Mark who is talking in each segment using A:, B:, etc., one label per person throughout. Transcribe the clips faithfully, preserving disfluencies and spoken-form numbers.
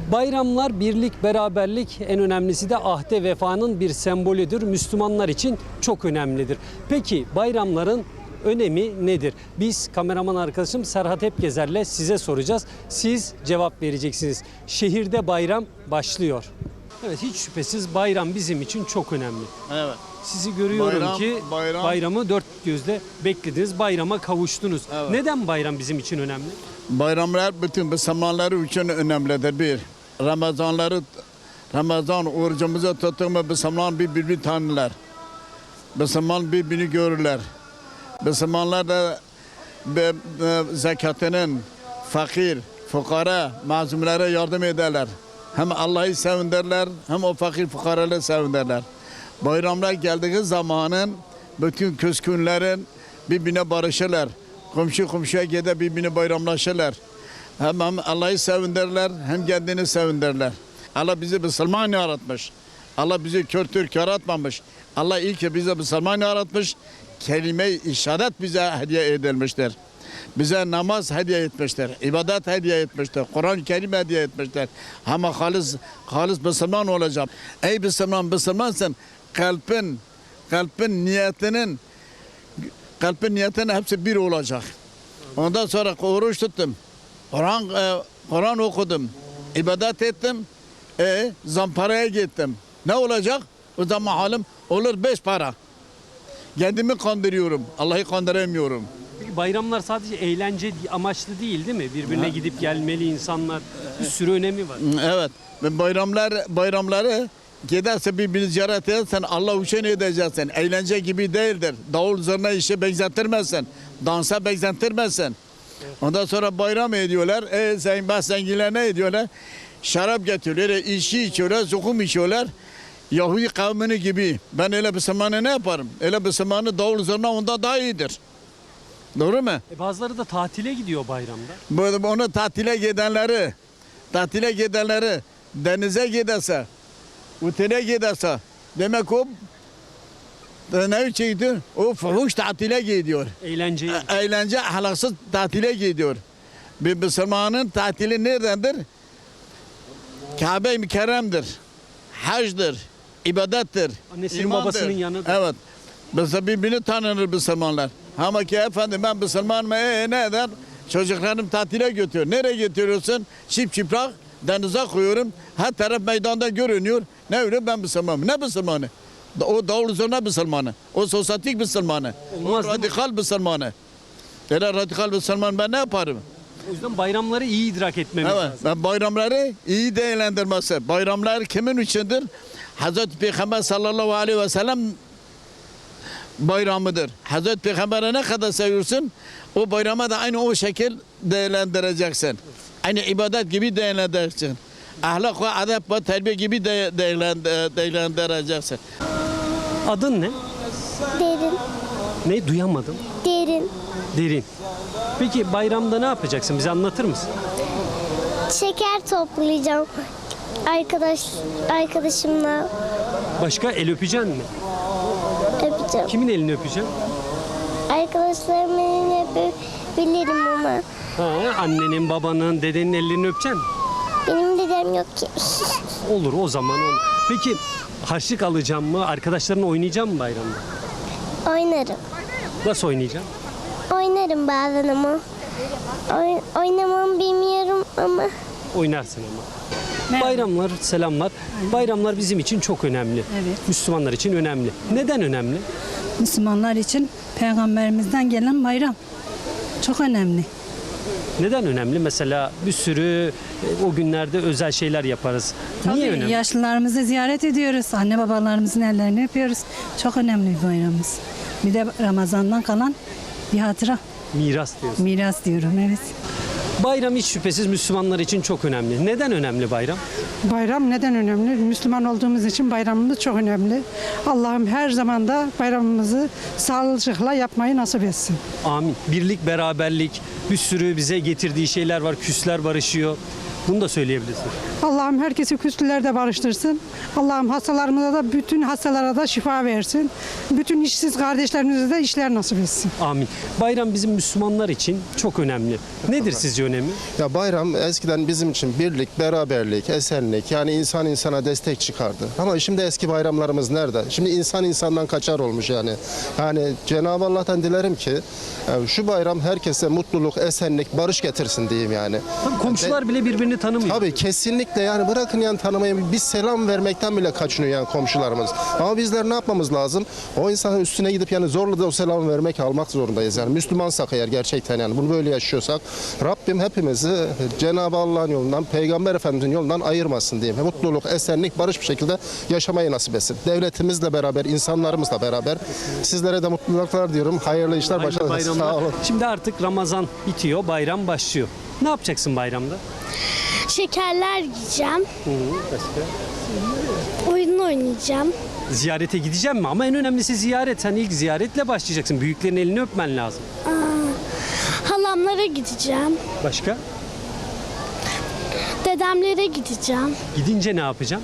A: Bayramlar birlik, beraberlik, en önemlisi de ahde vefanın bir sembolüdür. Müslümanlar için çok önemlidir. Peki bayramların önemi nedir? Biz kameraman arkadaşım Serhat Hepgezer'le size soracağız. Siz cevap vereceksiniz. Şehirde bayram başlıyor. Evet, hiç şüphesiz bayram bizim için çok önemli.
B: Evet.
A: Sizi görüyorum
B: Bayram,
A: ki
B: bayram.
A: bayramı dört gözle beklediniz, bayrama kavuştunuz.
B: Evet.
A: Neden bayram bizim için önemli?
B: Bayramlar bütün Müslümanlar için önemlidir. Bir, Ramazanları, Ramazan orucumuzu tuttuğumuz Müslüman birbirini tanırlar. Müslüman birbirini görürler. Müslümanlar da be, be, zekatının fakir, fukara, mazlumlara yardım ederler. Hem Allah'ı sevindirler, hem o fakir fukaraları sevindirler. Bayramlar geldiği zamanın bütün küskünlerin birbirine barışırlar. Komşu komşuya gider birbirine bayramlaşırlar. Hem, hem Allah'ı sevindirler, hem kendini sevindirler. Allah bizi Müslüman yaratmış. Allah bizi kör Türk yaratmamış. Allah ilk ki bize Müslüman yaratmış. Kelime-i işaret bize hediye edilmiştir. Bize namaz hediye etmiştir. İbadet hediye etmiştir. Kur'an-ı Kerim hediye etmiştir. Ama halis, halis Müslüman olacak. Ey Müslüman, Müslümansın. Kalbin, kalbin niyetinin, kalbin niyetinin hepsi bir olacak. Ondan sonra oruç tuttum. Kur'an e, Kur'an okudum. İbadet ettim. E, zamparaya gittim. Ne olacak? O zaman halim olur beş para. Kendimi kandırıyorum. Allah'ı kandıramıyorum.
A: Peki bayramlar sadece eğlence amaçlı değil, değil mi? Birbirine ha. gidip gelmeli insanlar. Bir sürü önemi var.
B: Evet. Bayramlar bayramları giderse birbirini ziyaret edersen Allah için edeceksin. Eğlence gibi değildir. Davul zurna işe benzetirmezsin. Dansa benzetirmezsin. Evet. Ondan sonra bayram ediyorlar. E sen bas zenginler ne ediyorlar? Şarap getiriyorlar, içki içiyorlar, zukum içiyorlar. Yahudi kavmini gibi. Ben öyle bir zamanı ne yaparım? Öyle bir zamanı davul zurna onda daha iyidir. Doğru mu?
A: E bazıları da tatile gidiyor bayramda.
B: Bu, onu tatile gidenleri, tatile gidenleri denize giderse, otele giderse, demek o ne şeydi? O fuhuş tatile gidiyor.
A: Eğlence.
B: E, eğlence ahlaksız tatile gidiyor. Bir Müslümanın tatili neredendir? Kabe-i Mükerrem'dir. Hacdır, ibadettir,
A: annesinin
B: imandır.
A: Babasının yanıdır.
B: Evet. Mesela birbirini tanınır Müslümanlar. Ama ki efendim ben Müslümanım, ee, ne eder? Çocuklarım tatile götürüyor. Nereye götürüyorsun? Çip çıplak denize koyuyorum. Her taraf meydanda görünüyor. Ne öyle ben Müslümanım. Ne Müslümanı? O davul zurna Müslümanı. O sosyetik Müslümanı.
A: Olmaz,
B: o radikal Müslümanı. Öyle radikal Müslüman ben ne yaparım?
A: O yüzden bayramları iyi idrak etmemiz
B: evet,
A: lazım.
B: Ben bayramları iyi değerlendirmesi. Bayramlar kimin içindir? Hazreti Peygamber sallallahu aleyhi ve sellem bayramıdır. Hazreti Peygamber'e ne kadar seviyorsun, o bayrama da aynı o şekil değerlendireceksin. Aynı ibadet gibi değerlendireceksin. Ahlak ve adab ve terbiye gibi de değerlendireceksin.
A: Adın ne?
C: Derin.
A: Ne? Duyamadım.
C: Derin.
A: Derin. Peki bayramda ne yapacaksın? Bize anlatır mısın?
C: Şeker toplayacağım. Arkadaş arkadaşımla
A: Başka el öpeceksin mi?
C: öpeceğim.
A: Kimin elini öpeceksin?
C: Arkadaşlarımın elini öpebilirim ama
A: Ha, annenin, babanın, dedenin ellerini öpeceksin mi?
C: benim dedem yok ki.
A: Olur, o zaman olur. Peki harçlık alacağım mı? Arkadaşlarınla oynayacağım mı bayramda?
C: Oynarım.
A: Nasıl oynayacağım?
C: Oynarım bazen ama. Oy, oynamam bilmiyorum ama.
A: Oynarsın ama. Bayramlar, selamlar. Bayramlar bizim için çok önemli.
D: Evet.
A: Müslümanlar için önemli. Neden önemli?
D: Müslümanlar için Peygamberimizden gelen bayram çok önemli.
A: Neden önemli? Mesela bir sürü e, o günlerde özel şeyler yaparız. Niye
D: Tabii,
A: önemli?
D: yaşlılarımızı ziyaret ediyoruz. Anne babalarımızın ellerini öpüyoruz. Çok önemli bir bayramımız. Bir de Ramazan'dan kalan bir hatıra.
A: Miras diyorsun.
D: Miras diyorum, evet.
A: Bayram hiç şüphesiz Müslümanlar için çok önemli. Neden önemli bayram?
E: Bayram neden önemli? Müslüman olduğumuz için bayramımız çok önemli. Allah'ım her zaman da bayramımızı sağlıcakla yapmayı nasip etsin.
A: Amin. Birlik, beraberlik, bir sürü bize getirdiği şeyler var. Küsler barışıyor. Bunu da söyleyebilirsin.
E: Allah'ım herkesi küslülerde barıştırsın. Allah'ım hastalarımıza da bütün hastalara da şifa versin. Bütün işsiz kardeşlerimize de işler nasip etsin.
A: Amin. Bayram bizim Müslümanlar için çok önemli. Nedir sizce önemi?
F: Ya bayram eskiden bizim için birlik, beraberlik, esenlik, yani insan insana destek çıkardı. Ama şimdi eski bayramlarımız nerede? Şimdi insan insandan kaçar olmuş yani. Yani Cenab-ı Allah'tan dilerim ki yani şu bayram herkese mutluluk, esenlik, barış getirsin diyeyim yani.
A: Tabii komşular bile birbirini tanımıyor.
F: Tabii kesinlikle, yani bırakın yani tanımayı, bir selam vermekten bile kaçınıyor yani komşularımız. Ama bizler ne yapmamız lazım? O insanın üstüne gidip yani zorla da o selamı vermek, almak zorundayız yani. Müslümansak eğer gerçekten, yani bunu böyle yaşıyorsak Rabbim hepimizi Cenab-ı Allah'ın yolundan, Peygamber Efendimizin yolundan ayırmasın diyeyim. Mutluluk, esenlik, barış bir şekilde yaşamayı nasip etsin. Devletimizle beraber, insanlarımızla beraber sizlere de mutluluklar diyorum. Hayırlı işler,
A: Hayırlı
F: başarılar.
A: bayramlar.
F: Sağ olun.
A: Şimdi artık Ramazan bitiyor, bayram başlıyor. Ne yapacaksın bayramda?
C: Şekerler yiyeceğim.
A: Başka?
C: Oyun oynayacağım.
A: Ziyarete gideceğim mi? Ama en önemlisi ziyaret. Sen ilk ziyaretle başlayacaksın. Büyüklerin elini öpmen lazım.
C: Halamlara gideceğim.
A: Başka?
C: Dedemlere gideceğim.
A: Gidince ne yapacaksın?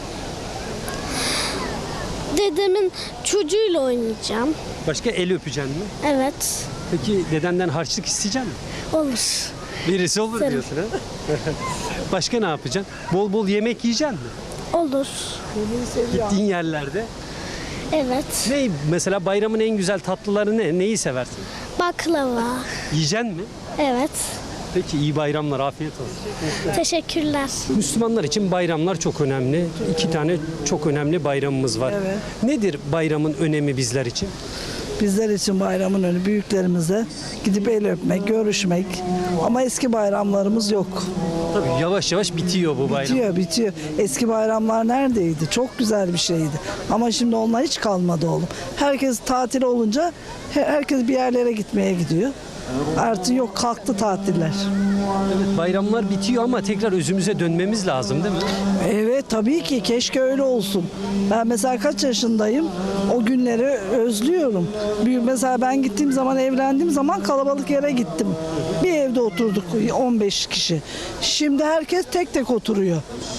C: Dedemin çocuğuyla oynayacağım.
A: Başka el öpeceksin mi?
C: Evet.
A: Peki dedenden harçlık isteyecek misin?
C: Olur.
A: Birisi olur
C: İsterim.
A: diyorsun ha? Başka ne yapacaksın? Bol bol yemek yiyeceksin mi?
C: Olur.
A: Gittiğin yerlerde.
C: Evet.
A: Ne mesela bayramın en güzel tatlıları ne? Neyi seversin?
C: Baklava.
A: Yiyeceksin mi?
C: Evet.
A: Peki iyi bayramlar, afiyet olsun.
C: Teşekkürler.
A: Müslümanlar için bayramlar çok önemli. İki tane çok önemli bayramımız var.
G: Evet.
A: Nedir bayramın önemi bizler için?
G: Bizler için bayramın önü büyüklerimize gidip el öpmek, görüşmek. Ama eski bayramlarımız yok.
A: Tabii yavaş yavaş bitiyor bu bayram.
G: Bitiyor, bitiyor. Eski bayramlar neredeydi? Çok güzel bir şeydi. Ama şimdi onlar hiç kalmadı oğlum. Herkes tatil olunca he- herkes bir yerlere gitmeye gidiyor. Artık yok, kalktı tatiller.
A: Evet, bayramlar bitiyor ama tekrar özümüze dönmemiz lazım değil mi?
G: Evet tabii ki, keşke öyle olsun. Ben mesela kaç yaşındayım, o günleri özlüyorum. Büyük, mesela ben gittiğim zaman, evlendiğim zaman kalabalık yere gittim. Bir evde oturduk on beş kişi. Şimdi herkes tek tek oturuyor.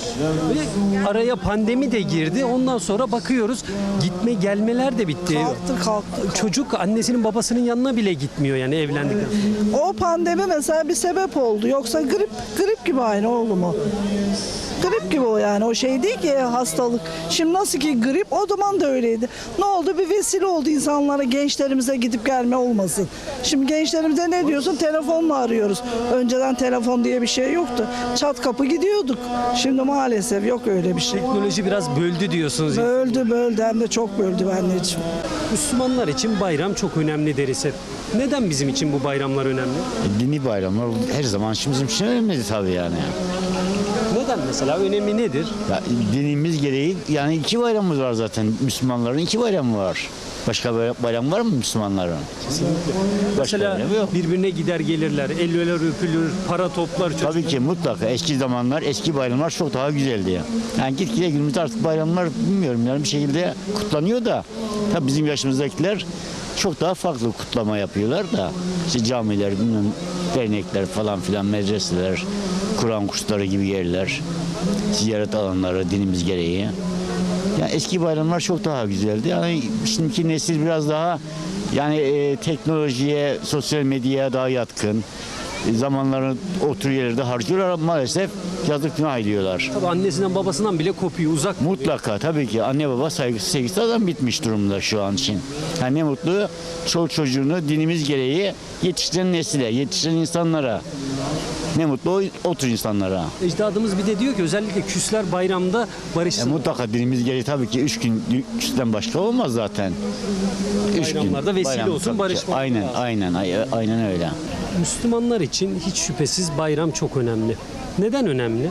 A: Ve araya pandemi de girdi. Ondan sonra bakıyoruz gitme gelmeler de bitti.
G: Kalktı kalktı.
A: Çocuk annesinin babasının yanına bile gitmiyor yani evlendikten sonra.
G: O pandemi mesela bir sebep oldu. Yoksa grip grip gibi aynı oğlum o. Grip gibi o yani. O şey değil ki hastalık. Şimdi nasıl ki grip, o zaman da öyleydi. Ne oldu? Bir vesile oldu insanlara, gençlerimize gidip gelme olmasın. Şimdi gençlerimize ne diyorsun? Telefonla arıyoruz. Önceden telefon diye bir şey yoktu. Çat kapı gidiyorduk. Şimdi maalesef yok öyle bir şey.
A: Teknoloji biraz böldü diyorsunuz.
G: Böldü böldü, hem de çok böldü anneciğim.
A: Müslümanlar için bayram çok önemli deriz hep. Neden bizim için bu bayramlar önemli?
H: Dini bayramlar her zaman için bizim için önemli tabii yani.
A: Neden mesela? Önemi nedir?
H: Ya, dinimiz gereği yani iki bayramımız var zaten. Müslümanların iki bayramı var. Başka bay- bayram var mı Müslümanların? Başka
A: Mesela
H: bayramı yok.
A: birbirine gider gelirler, eller öpülür, para toplar. Çocuk.
H: Tabii ki mutlaka eski zamanlar, eski bayramlar çok daha güzeldi ya. Yani gitgide günümüzde artık bayramlar bilmiyorum yani bir şekilde kutlanıyor da tabii bizim yaşımızdakiler çok daha farklı kutlama yapıyorlar da işte camiler, bilmem, dernekler falan filan, medreseler, Kur'an kursları gibi yerler, ziyaret alanları dinimiz gereği. Yani eski bayramlar çok daha güzeldi. Yani şimdiki nesil biraz daha yani e, teknolojiye, sosyal medyaya daha yatkın. E, zamanlarını otur yerlerde harcıyorlar ama maalesef yazık günah ediyorlar.
A: Tabii annesinden babasından bile kopuyor, uzak.
H: Mutlaka tabii ki anne baba saygısı sevgisi adam bitmiş durumda şu an için. Yani ne mutlu çoluk çocuğunu dinimiz gereği yetiştiren nesile, yetiştiren insanlara. Ne mutlu o, o tür insanlara.
A: Ecdadımız bir de diyor ki özellikle küsler bayramda
H: E,
A: barışsın.
H: mutlaka dinimiz gereği tabii ki üç gün küsten başka olmaz zaten. Üç
A: Bayramlarda vesile
H: bayram
A: olsun,
H: tabii ki.
A: barışmak
H: Aynen,
A: lazım.
H: aynen, ay- aynen öyle.
A: Müslümanlar için hiç şüphesiz bayram çok önemli. Neden önemli?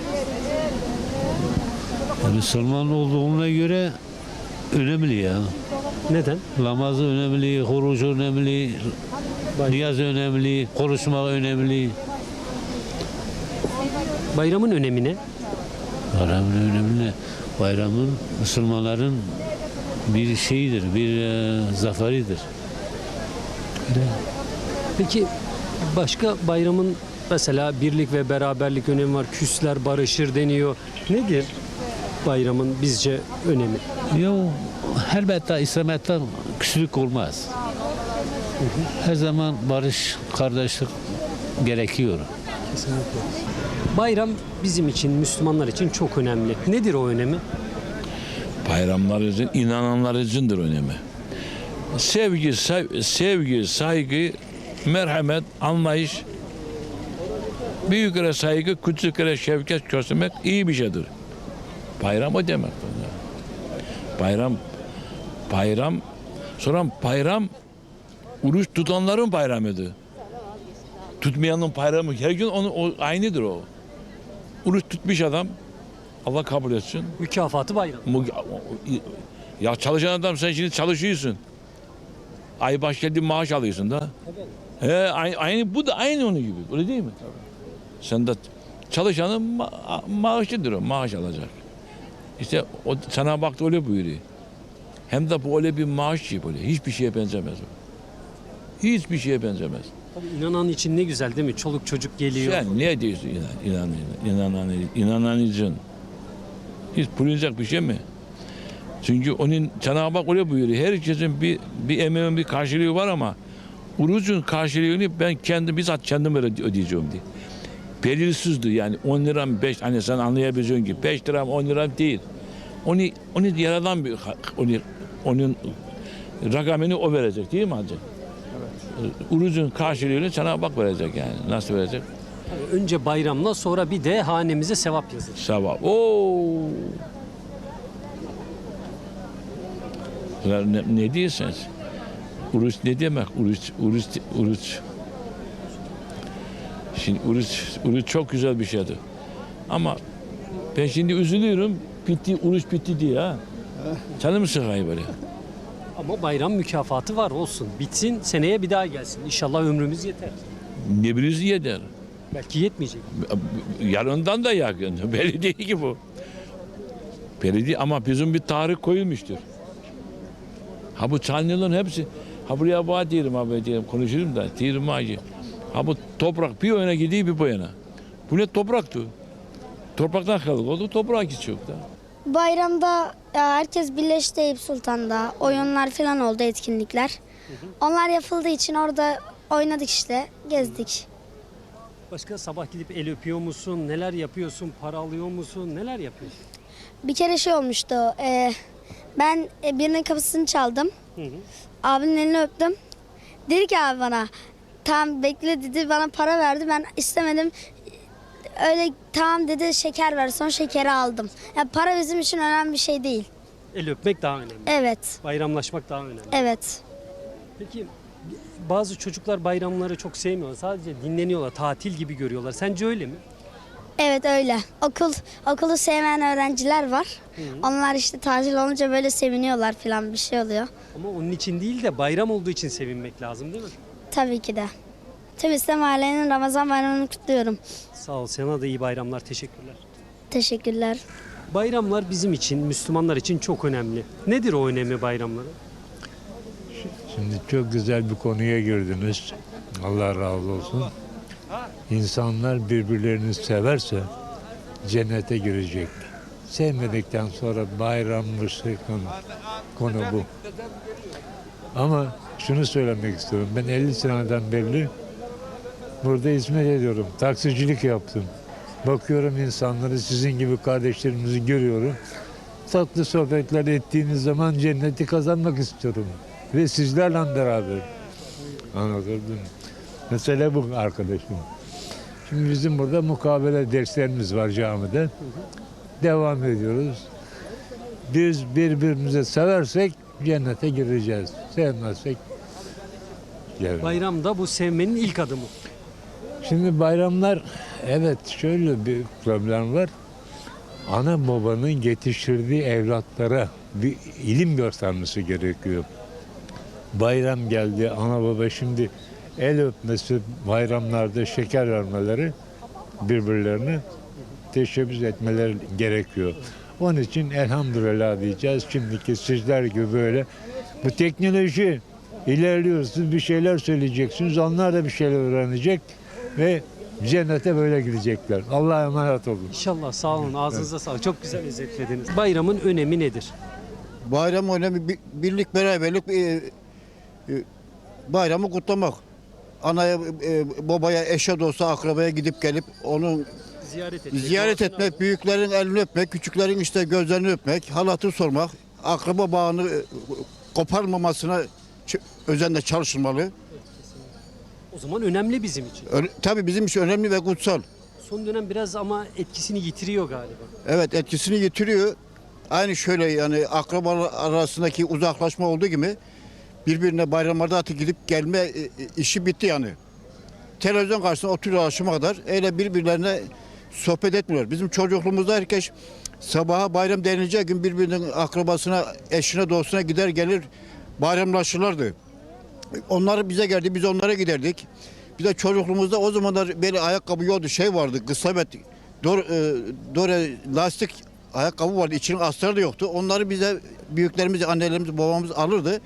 I: Ya Müslüman olduğuna göre önemli ya.
A: Neden?
I: Namazı önemli, oruç önemli, niyaz önemli, konuşmak önemli.
A: Bayramın önemi ne?
I: Bayramın önemli. Bayramın Müslümanların bir şeyidir, bir e, zaferidir.
A: Peki başka bayramın Mesela birlik ve beraberlik önemi var. Küsler barışır deniyor. Nedir bayramın bizce önemi?
I: Yo, elbette İslamiyet'ten küslük olmaz. Her zaman barış, kardeşlik gerekiyor.
A: Bayram bizim için, Müslümanlar için çok önemli. Nedir o önemi?
J: Bayramlar için, inananlar içindir önemi. Sevgi, sev- sevgi, saygı, merhamet, anlayış, büyüklere saygı, küçüklere şefkat göstermek iyi bir şeydir. Bayram o demek. Bayram, bayram, sonra bayram, oruç tutanların bayramıdır. Tutmayanın bayramı, her gün onu, o, aynıdır o. Oruç tutmuş adam, Allah kabul etsin.
A: Mükafatı bayram.
J: Mu- Ya çalışan adam sen şimdi çalışıyorsun. Ay baş geldi maaş alıyorsun da. He, aynı, aynı bu da aynı onun gibi. Öyle değil mi? Sen de çalışanın ma- maaşıdır o. Maaş alacak. İşte o sana baktı öyle buyuruyor. Hem de bu öyle bir maaş gibi böyle. Hiçbir şeye benzemez o. Hiçbir şeye benzemez.
A: Tabii inanan için ne güzel değil mi? Çoluk çocuk geliyor.
J: Sen ne diyorsun inan, inan, inanan, inanan için? Hiç bulunacak bir şey mi? Çünkü onun Cenab-ı Hak öyle buyuruyor. Herkesin bir, bir emeğin bir karşılığı var ama orucun karşılığını ben kendim bizzat kendim öde- ödeyeceğim diye. Belirsizdir yani on liram beş hani sen anlayabileceğin gibi beş liram on liram değil. Onu onu yaradan bir onu onun rakamını o verecek değil mi hacı? Evet. Orucun karşılığını Cenab-ı Hak verecek yani. Nasıl verecek?
A: Tabii önce bayramla sonra bir de hanemize sevap yazılır.
J: Sabah. Oo. Ne, ne diyorsun? Oruç ne demek? Oruç, oruç, oruç. Şimdi oruç, oruç çok güzel bir şeydir. Ama ben şimdi üzülüyorum. Bitti, oruç bitti diye ha. Canım sıkıyor böyle.
A: Ama bayram mükafatı var olsun. Bitsin seneye bir daha gelsin. İnşallah ömrümüz yeter.
J: Ne biliriz yeter.
A: Belki yetmeyecek.
J: Yarından da yakın. Belli değil ki bu. Belli değil ama bizim bir tarih koyulmuştur. Ha bu Çanlıların hepsi, ha buraya bağ diyelim abi diyelim, konuşurum da, diyelim ağacı. Ha bu toprak bir yana gidiyor bir bu yana. Bu ne topraktı? Topraktan kaldık oldu, toprağa geçiyor da.
C: Bayramda ya, herkes birleşti Eyüp Sultan'da. Oyunlar falan oldu, etkinlikler. Onlar yapıldığı için orada oynadık işte, gezdik.
A: Başka sabah gidip el öpüyor musun? Neler yapıyorsun? Para alıyor musun? Neler yapıyorsun?
C: Bir kere şey olmuştu. e, ben e, birinin kapısını çaldım.
A: Hı hı.
C: Abinin elini öptüm. Dedi ki abi bana, tamam bekle dedi, bana para verdi. Ben istemedim. Öyle tamam dedi, şeker ver. Sonra şekeri aldım. Yani para bizim için önemli bir şey değil.
A: El öpmek daha önemli.
C: Evet,
A: Bayramlaşmak daha önemli.
C: evet.
A: Peki bazı çocuklar bayramları çok sevmiyorlar. Sadece dinleniyorlar, tatil gibi görüyorlar. Sence öyle mi?
C: Evet öyle. Okul okulu sevmeyen öğrenciler var. Onlar işte tatil olunca böyle seviniyorlar falan, bir şey oluyor.
A: Ama onun için değil de bayram olduğu için sevinmek lazım değil mi?
C: Tabii ki de. Tüm İslam ailenin Ramazan bayramını kutluyorum.
A: Sağ ol. Sana da iyi bayramlar. Teşekkürler.
C: Teşekkürler.
A: Bayramlar bizim için, Müslümanlar için çok önemli. Nedir o önemi bayramların?
I: Şimdi çok güzel bir konuya girdiniz. Allah razı olsun. İnsanlar birbirlerini severse cennete girecek. Sevmedikten sonra bayrammış konu, konu bu. Ama şunu söylemek istiyorum. Ben elli seneden beri burada hizmet ediyorum. Taksicilik yaptım. Bakıyorum insanları, sizin gibi kardeşlerimizi görüyorum. Tatlı sohbetler ettiğiniz zaman cenneti kazanmak istiyorum. Ve sizlerle beraber. Anladın. Mesele bu arkadaşım. Şimdi bizim burada mukabele derslerimiz var camide. Devam ediyoruz. Biz birbirimizi seversek cennete gireceğiz. Sevmezsek gelmeyiz.
A: Bayramda bu sevmenin ilk adımı.
I: Şimdi bayramlar, evet şöyle bir problem var. Ana babanın yetiştirdiği evlatlara bir ilim göstermesi gerekiyor. Bayram geldi, ana baba şimdi el öpmesi, bayramlarda şeker vermeleri, birbirlerine teşebbüs etmeleri gerekiyor. Onun için elhamdülillah diyeceğiz. Şimdiki sizler gibi böyle bu teknoloji ilerliyor. Siz bir şeyler söyleyeceksiniz. Onlar da bir şeyler öğrenecek ve Cennete böyle gidecekler. Allah'a emanet olun.
A: İnşallah, sağ olun. Ağzınıza sağlık. Çok güzel özetlediniz. Bayramın önemi nedir?
K: Bayram önemi bi- birlik, beraberlik, e, e, bayramı kutlamak. Anaya, e, babaya, eşe, dosta, akrabaya gidip gelip onu
A: Ziyaret etmek.
K: ziyaret
A: duasını
K: etmek, büyüklerin elini öpmek, küçüklerin işte gözlerini öpmek, hal hatır sormak, akraba bağını e, koparmamasına ç- özenle çalışılmalı.
A: O zaman önemli bizim için.
K: Ö- tabii bizim için önemli ve kutsal.
A: Son dönem biraz ama etkisini yitiriyor galiba.
K: Evet, etkisini yitiriyor. Aynı şöyle yani akrabalar arasındaki uzaklaşma olduğu gibi birbirine bayramlarda artık gidip gelme e, e, işi bitti yani. Televizyon karşısında oturuyor akşama kadar öyle birbirlerine sohbet etmiyorlar. Bizim çocukluğumuzda herkes sabaha bayram denilince gün birbirinin akrabasına, eşine, dostuna gider gelir bayramlaşırlardı. Onlar bize geldi, biz onlara giderdik. Bir de çocukluğumuzda o zamanlar böyle ayakkabı yoktu, şey vardı, kısabet, dor, e, dore, lastik ayakkabı vardı, içinin astarı da yoktu. Onları bize büyüklerimiz, annelerimiz, babamız alırdı.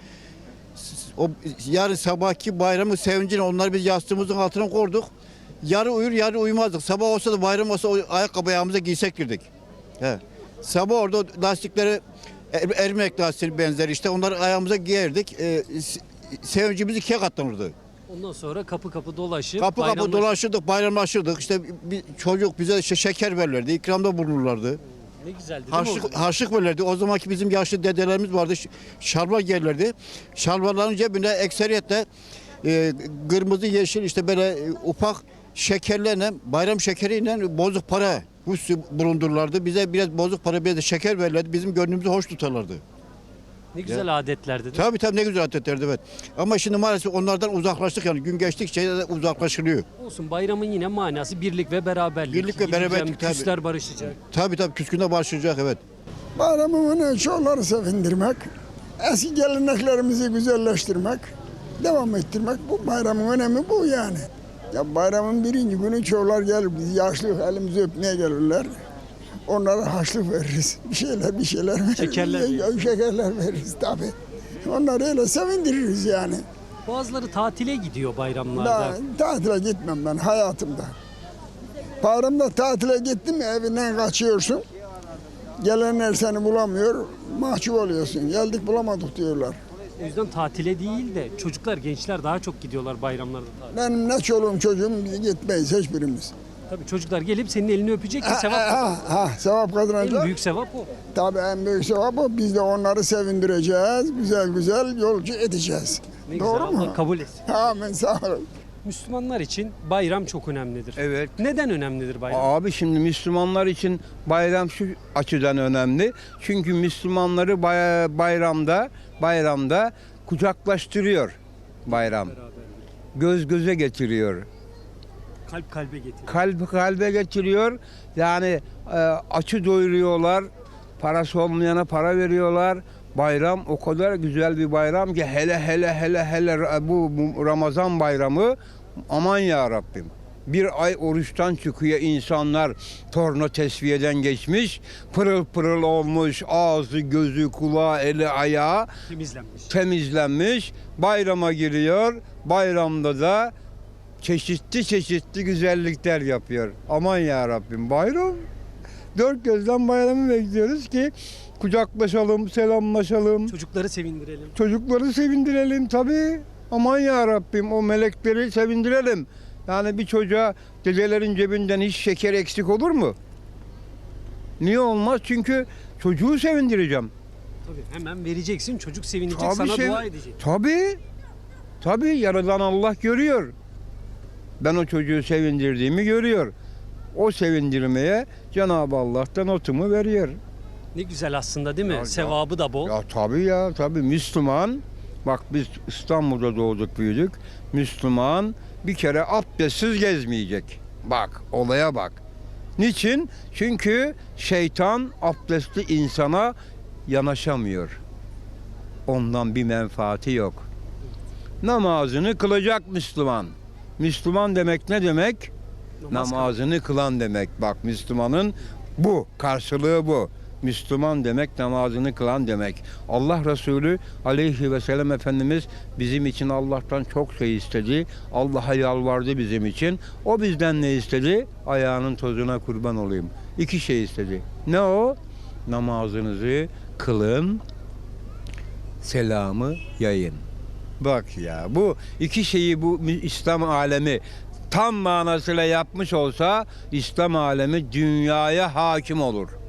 K: O yarın sabahki bayramın sevincini onları biz yastığımızın altına koyduk. Yarı uyur, yarı uyumazdık. Sabah olsa da bayram olsa o ayakkabı ayağımıza giysek girdik. He. Sabah orada lastikleri, er- ermek lastiği benzeri işte onları ayağımıza giyerdik. E, sevincimiz ikiye katlanırdı.
A: Ondan sonra kapı kapı dolaşıp
K: Kapı kapı
A: bayramlaş-
K: dolaşırdık, bayramlaşırdık. İşte bir çocuk bize işte şeker verirlerdi, ikramda bulunurlardı.
A: Ne güzeldi değil mi?
K: Harçlık,
A: o?
K: harçlık verirlerdi. O zamanki bizim yaşlı dedelerimiz vardı. ş- Şalvar giyerlerdi. Şalvarların cebine ekseriyetle e, kırmızı, yeşil işte böyle e, ufak şekerlerle, bayram şekeriyle bozuk para hususi bulundururlardı. Bize biraz bozuk para, bir de şeker verirlerdi. Bizim gönlümüzü hoş tutarlardı.
A: Ne güzel adetlerdi değil mi?
K: Tabii tabii ne güzel adetlerdi evet. Ama şimdi maalesef onlardan uzaklaştık yani gün geçtikçe de uzaklaşılıyor.
A: Olsun, bayramın yine manası birlik ve beraberlik.
K: Birlik ve
A: Gideceğim,
K: beraberlik, tabii.
A: küsler barışacak.
K: Tabii tabii küskünde başlayacak evet.
L: Bayramımını çocukları sevindirmek, eski geleneklerimizi güzelleştirmek, devam ettirmek. Bu bayramın önemi bu yani. Ya bayramın birinci günü çocuklar gelir, biz yaşlı elimizi öpmeye gelirler. Onlara harçlık veririz. Bir şeyler bir şeyler veririz.
A: Şekerler
L: Ya, şekerler veririz tabii. Onları öyle sevindiririz yani.
A: Bazıları tatile gidiyor bayramlarda.
L: Ben tatile gitmem ben hayatımda. Bayramda tatile gittin mi evinden kaçıyorsun. Gelenler seni bulamıyor, mahcup oluyorsun. Geldik bulamadık diyorlar.
A: O yüzden tatile değil de çocuklar, gençler daha çok gidiyorlar bayramlarda tatile.
L: Benim ne çoluğum çocuğum biz gitmeyiz hiçbirimiz.
A: Tabii çocuklar gelip senin elini öpecek ki
L: Ha,
A: sevap.
L: ha, ha, sevap
A: En
L: kazanacak.
A: büyük sevap o.
L: Tabii en büyük sevap o. Biz de onları sevindireceğiz. Güzel güzel yolcu edeceğiz.
A: Ne
L: Doğru
A: güzel,
L: mu?
A: Allah kabul etsin.
L: Amin sağ olun.
A: Müslümanlar için bayram çok önemlidir.
M: Evet.
A: Neden önemlidir bayram?
M: Abi şimdi Müslümanlar için bayram şu açıdan önemli. Çünkü Müslümanları bay- bayramda bayramda kucaklaştırıyor bayram. Göz göze getiriyor.
A: Kalp kalbe getiriyor.
M: Kalp kalbe getiriyor. Yani e, açı doyuruyorlar. Parası olmayana para veriyorlar. Bayram o kadar güzel bir bayram ki hele hele hele hele bu, bu Ramazan bayramı aman ya Rabbim. Bir ay oruçtan çıkıyor insanlar, torna tesviyeden geçmiş, pırıl pırıl olmuş, ağzı, gözü, kulağı, eli, ayağı
A: Temizlenmiş.
M: temizlenmiş, bayrama giriyor. Bayramda da çeşitli çeşitli güzellikler yapıyor. Aman ya Rabbim bayram. Dört gözden bayramı bekliyoruz ki kucaklaşalım, selamlaşalım.
A: Çocukları sevindirelim.
M: Çocukları sevindirelim tabii. Aman ya Rabbim o melekleri sevindirelim. Yani bir çocuğa dedelerin cebinden hiç şeker eksik olur mu? Niye olmaz? Çünkü çocuğu sevindireceğim.
A: Tabii hemen vereceksin, çocuk sevinecek,
M: Tabii
A: sana
M: sev-
A: dua edecek.
M: Tabii. Tabii yaradan Allah görüyor. Ben o çocuğu sevindirdiğimi görüyor. O sevindirmeye Cenab-ı Allah'tan notumu veriyor.
A: Ne güzel aslında değil mi?
M: Ya,
A: Sevabı da bol.
M: Ya tabii ya tabii Müslüman. Bak biz İstanbul'da doğduk büyüdük. Müslüman bir kere abdestsiz gezmeyecek. Bak olaya bak. Niçin? Çünkü şeytan abdestli insana yanaşamıyor. Ondan bir menfaati yok. Namazını kılacak Müslüman. Müslüman demek ne demek?
A: Namaz
M: Namazını kılan demek. Bak Müslümanın bu karşılığı bu. Müslüman demek namazını kılan demek. Allah Resulü aleyhi ve sellem Efendimiz bizim için Allah'tan çok şey istedi. Allah'a yalvardı bizim için. O bizden ne istedi? Ayağının tozuna kurban olayım. İki şey istedi. Ne o? Namazınızı kılın, selamı yayın. Bak ya, bu iki şeyi bu İslam alemi tam manasıyla yapmış olsa İslam alemi dünyaya hakim olur.